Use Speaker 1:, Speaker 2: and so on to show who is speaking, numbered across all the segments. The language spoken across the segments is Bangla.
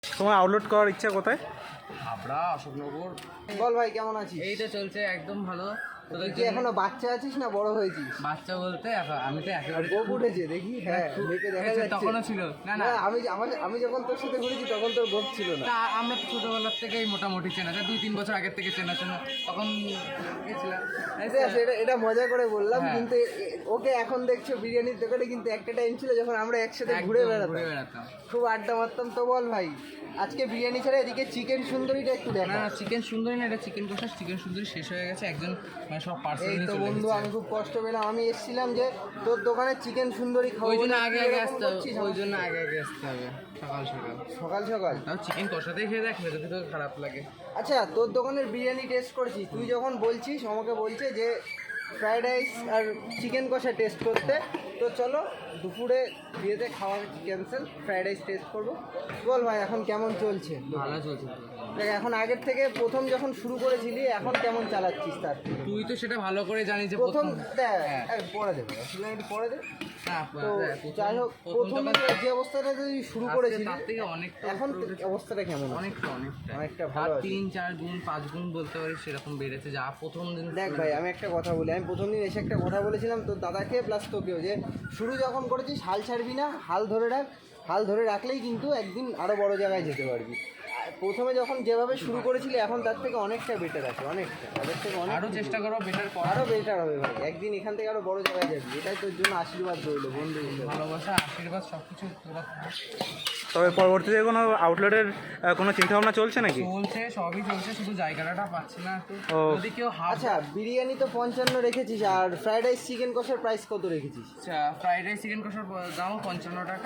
Speaker 1: তোমার আউটলোড করার ইচ্ছা কোথায়?
Speaker 2: হাবড়া, অশোকনগর।
Speaker 3: বল ভাই কেমন আছিস?
Speaker 2: এই তো চলছে একদম ভালো।
Speaker 3: তুই কি এখনো বাচ্চা আছিস না বড় হয়েছিস?
Speaker 2: বাচ্চা বলতে আমি তো একেবারে
Speaker 3: গোপ উঠেছে দেখি, হ্যাঁ দেখে দেখা যাচ্ছে।
Speaker 2: তখনও ছিল না না
Speaker 3: না, আমি যখন তোর সাথে ঘুরেছি তখন তোর গোপ ছিল না।
Speaker 2: তা আমরা তো ছোটবেলার থেকেই মোটামুটি চেনা যায়, 2-3 বছর আগের থেকে চেনা তখন গেছিলাম।
Speaker 3: এটা মজা করে বললাম,
Speaker 2: হ্যাঁ।
Speaker 3: কিন্তু ওকে এখন দেখছো বিরিয়ানির দোকানে, কিন্তু একটা টাইম ছিল যখন আমরা একসাথে
Speaker 2: একদম
Speaker 3: ঘুরে
Speaker 2: ঘুরে বেড়াতাম।
Speaker 3: খুব আড্ডা মারতাম। তো বল ভাই, আজকে বিরিয়ানি ছাড়া এদিকে চিকেন সুন্দরীটা একটু
Speaker 2: না
Speaker 3: দেখা।
Speaker 2: না, চিকেন সুন্দরী না, এটা চিকেন কষা। চিকেন সুন্দরী শেষ হয়ে গেছে, একজন মানে সব পার্সেল
Speaker 3: এই
Speaker 2: নিয়ে
Speaker 3: তো
Speaker 2: চলে
Speaker 3: বন্ধু,
Speaker 2: গেছে।
Speaker 3: আমি খুব কষ্ট পেলাম। আমি এসেছিলাম যে তোর দোকানে চিকেন সুন্দরী খাবো,
Speaker 2: ওই জন্য
Speaker 3: বলে
Speaker 2: আগে
Speaker 3: তুই
Speaker 2: আগে
Speaker 3: এরকম
Speaker 2: আসতে হবে,
Speaker 3: করছিস
Speaker 2: ওই জন্য আগে আগে আসতে হবে সকাল সকাল।
Speaker 3: সকাল সকাল।
Speaker 2: তাও চিকেন কষাতেই খেয়ে দেখ, যদি তোর খারাপ লাগে।
Speaker 3: আচ্ছা, তোর দোকানের বিরিয়ানি টেস্ট করেছিস? তুই যখন বলছিস, আমাকে বলছে যে ফ্রাইড রাইস আর চিকেন কষা টেস্ট করতে, তো চলো দুপুরে বিয়েতে খাওয়া ক্যান্সেল, ফ্রাইড রাইস টেস্ট করবো। বল ভাই, এখন কেমন চলছে?
Speaker 2: ভালো চলছে তো।
Speaker 3: দেখ, এখন আগের থেকে প্রথম যখন শুরু করেছিলি এখন কেমন চালাচ্ছিস তার থেকে?
Speaker 2: তুই তো সেটা ভালো করে জানিস যে
Speaker 3: প্রথম
Speaker 2: হ্যাঁ।
Speaker 3: পরে দেবো, একটু পরে দে।
Speaker 2: না,
Speaker 3: তো যাই হোক, প্রথম যে অবস্থাটা তুই শুরু করেছিলি,
Speaker 2: তার থেকে অনেকটা
Speaker 3: এখন অবস্থাটা কেমন আছে? অনেকটা ভালো আছে।
Speaker 2: 3-4 গুণ 5 গুণ বলতে পারিস সেরকম বেড়েছে যা প্রথম দিন।
Speaker 3: দেখ ভাই, আমি একটা কথা বলি, আমি প্রথম দিন এসে একটা কথা বলেছিলাম তোর দাদাকে প্লাস তোকেও, যে শুরু যখন করেছিস হাল ছাড়বি না, হাল ধরে রাখ। হাল ধরে রাখলেই কিন্তু একদিন আরও বড় জায়গায় যেতে পারবি। আর প্রথমে যখন যেভাবে শুরু করেছিলি এখন তার থেকে অনেকটা বেটার আছে, অনেকটা আগের থেকে অনেক।
Speaker 2: আরো চেষ্টা করো বেটার করার।
Speaker 3: আরও বেটার হবে ভাই, একদিন এখান থেকে আরও বড় জায়গায় যাবি। এটাই তোর জন্য আশীর্বাদ রইলো বন্ধু হিসেবে।
Speaker 2: ভালোবাসা, আশীর্বাদ সবকিছু তোরা
Speaker 1: তবে পরবর্তীতে কোনো আউটলেটের কোনো চিন্তাভাবনা চলছে নাকি?
Speaker 2: চলছে, সবই চলছে, শুধু জায়গাটা পাচ্ছি না তো।
Speaker 1: ও।
Speaker 2: যদি কেউ
Speaker 3: আচ্ছা, বিরিয়ানি তো 55 রেখেছিস, আর ফ্রাইড রাইস চিকেন কষার প্রাইস কত রেখেছিস?
Speaker 2: ফ্রাইড রাইস চিকেন কষার দাম 55 টাকা।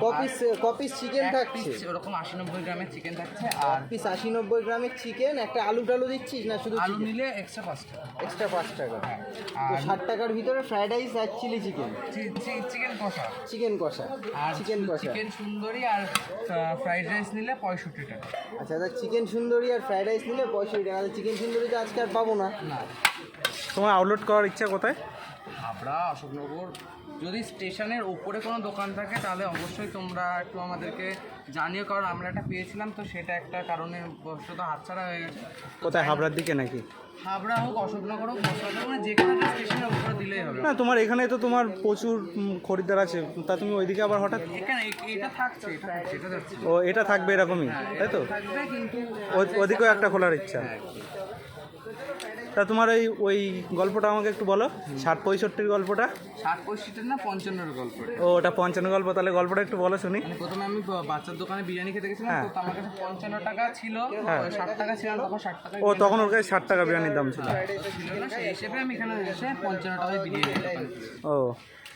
Speaker 3: কপিস চিকেন থাকছে?
Speaker 2: ওরকম 80-90 গ্রামের চিকেন থাকছে। আর
Speaker 3: পিস 80-90 গ্রামের চিকেন, একটা আলু টালু দিচ্ছিস না শুধু
Speaker 2: আলু নিলে এক্সট্রা 5 টাকা।
Speaker 3: এক্সট্রা 5 টাকা। তো
Speaker 2: আর
Speaker 3: 60 টাকার ভিতরে ফ্রাইড রাইস আর চিলি চিকেন,
Speaker 2: চিকেন কষা
Speaker 3: চিকেন কষা,
Speaker 2: আর
Speaker 3: চিকেন কষা।
Speaker 2: চিকেন সুন্দরী আর ফ্রাইড রাইস নিলে 65 টাকা।
Speaker 3: আচ্ছা, তা চিকেন সুন্দরী আর ফ্রাইড রাইস নিলে 65 টাকা। চিকেন সুন্দরী তো আজকে আর পাবো না।
Speaker 2: না,
Speaker 1: তোমার আউটলোড করার ইচ্ছা কোথায়?
Speaker 2: হাবড়া, অশোকনগর। যদি স্টেশনের ওপরে কোনো দোকান থাকে তাহলে অবশ্যই তোমরা একটু আমাদেরকে জানিও, কারণ আমরা একটা পেয়েছিলাম তো, সেটা একটা কারণে বশত হাতছাড়া হয়ে গেছে।
Speaker 1: কোথায়, হাবড়ার দিকে নাকি?
Speaker 2: হাবড়া হোক, অশোকনগর হোক, মশলাটা মানে যে কোনো স্টেশনের ওপরে দিলেই হবে।
Speaker 1: না, তোমার এখানে তো তোমার প্রচুর খরিদ্দার আছে, তা তুমি ওইদিকে আবার হঠাৎ?
Speaker 2: এখানে এটা থাকছে, এটা যাচ্ছে।
Speaker 1: ও, এটা থাকবে এরকমই, তাই তো?
Speaker 2: থাকবে, কিন্তু
Speaker 1: ওদিকেও একটা খোলার ইচ্ছা। তা তোমার ওই গল্পটা আমাকে একটু বলো, 60-65 গল্পটা।
Speaker 2: 60-65 না 55-এর গল্প।
Speaker 1: ও, ওটা 55 গল্প, তাহলে গল্পটা একটু বলো শুনি।
Speaker 2: মানে প্রথমে আমি বাচ্চার দোকানে বিরিয়ানি খেতে গেছিলাম,
Speaker 1: হ্যাঁ।
Speaker 2: তো আমার কাছে 55 টাকা ছিল, 60 টাকা ছিল না, তখন 60 টাকা।
Speaker 1: ও, তখন ওর কাছে 60 টাকা বিরিয়ানির দাম ছিল।
Speaker 2: ছিল না, সেই হিসেবে আমি এখানে এসে 55 টাকায় বিরিয়ানি খেলাম।
Speaker 1: ও,